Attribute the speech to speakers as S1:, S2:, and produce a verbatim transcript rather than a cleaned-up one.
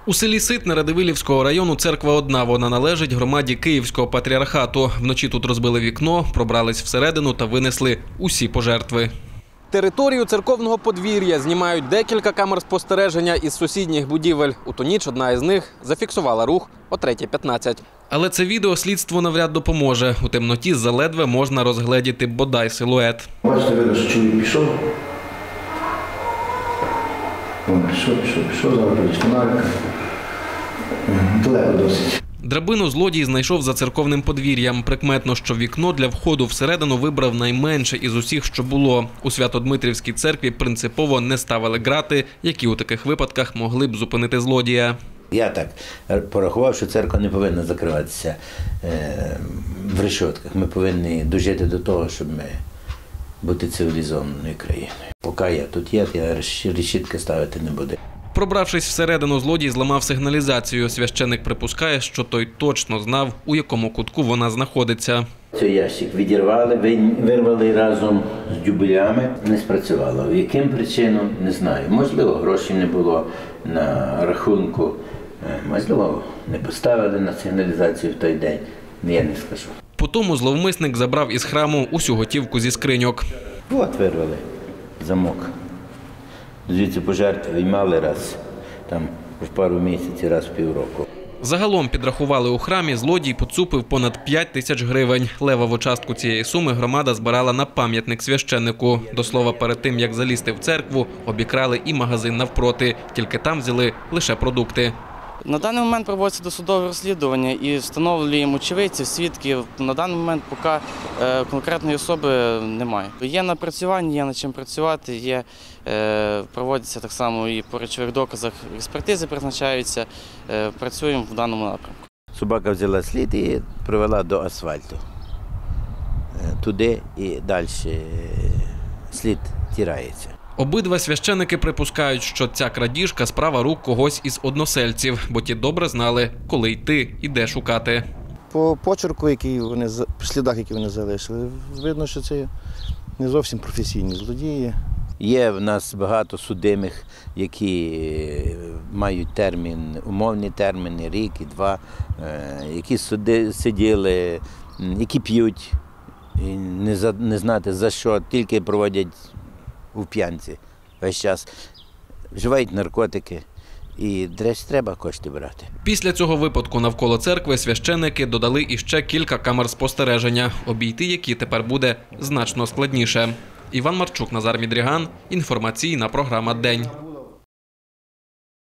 S1: У селі Ситне Радивилівського району церква одна. Вона належить громаді Київського патріархату. Вночі тут розбили вікно, пробрались всередину та винесли усі пожертви. Територію церковного подвір'я знімають декілька камер спостереження із сусідніх будівель. У ту ніч одна із них зафіксувала рух о третій п'ятнадцять. Але це відео слідству навряд допоможе. У темноті заледве можна розгледіти бодай силует.
S2: Бачите, видно, що чоловік пішов. Він пішов, пішов, пішов, зараз прийде фонарика. Далеко досить.
S1: Драбину злодій знайшов за церковним подвір'ям. Прикметно, що вікно для входу всередину вибрав найменше із усіх, що було. У Свято-Дмитрівській церкві принципово не ставили грати, які у таких випадках могли б зупинити злодія.
S3: Я так порахував, що церква не повинна закриватися в решетках. Ми повинні дожити до того, щоб ми бути цивілізованою країною. Поки я тут є, я решітки ставити не буду.
S1: Пробравшись всередину, злодій зламав сигналізацію. Священик припускає, що той точно знав, у якому кутку вона знаходиться.
S3: Цей ящик відірвали, вирвали разом з дюбелями. Не спрацювало. Яким причинам – не знаю. Можливо, грошей не було на рахунку. Можливо, не поставили на сигналізацію в той день. Я не скажу.
S1: Потому зловмисник забрав із храму усю готівку зі скриньок.
S3: От вирвали замок. Звідси пожертви виймали раз, там в пару місяців, раз в півроку.
S1: Загалом підрахували у храмі, злодій поцупив понад п'ять тисяч гривень. Левову частку цієї суми громада збирала на пам'ятник священнику. До слова, перед тим, як залізти в церкву, обікрали і магазин навпроти. Тільки там взяли лише продукти.
S4: На даний момент проводиться досудове розслідування і встановлюємо очевидців, свідків. На даний момент поки конкретної особи немає. Є напрацювання, є над чим працювати, є, проводяться так само і по речових доказах експертизи призначаються, працюємо в даному напрямку.
S3: Собака взяла слід і привела до асфальту. Туди і далі слід тирається.
S1: Обидва священики припускають, що ця крадіжка – справа рук когось із односельців, бо ті добре знали, коли йти і де шукати.
S2: По почерку, який вони, по слідах, які вони залишили, видно, що це не зовсім професійні злодії.
S3: Є в нас багато судимих, які мають термін, умовні терміни, рік і два, які суди, сиділи, які п'ють, не, за, не знати за що, тільки проводять у п'янці весь час, вживають наркотики і десь треба кошти брати.
S1: Після цього випадку навколо церкви священики додали іще кілька камер спостереження, обійти які тепер буде значно складніше. Іван Марчук, Назар Мідріган, інформаційна програма «День».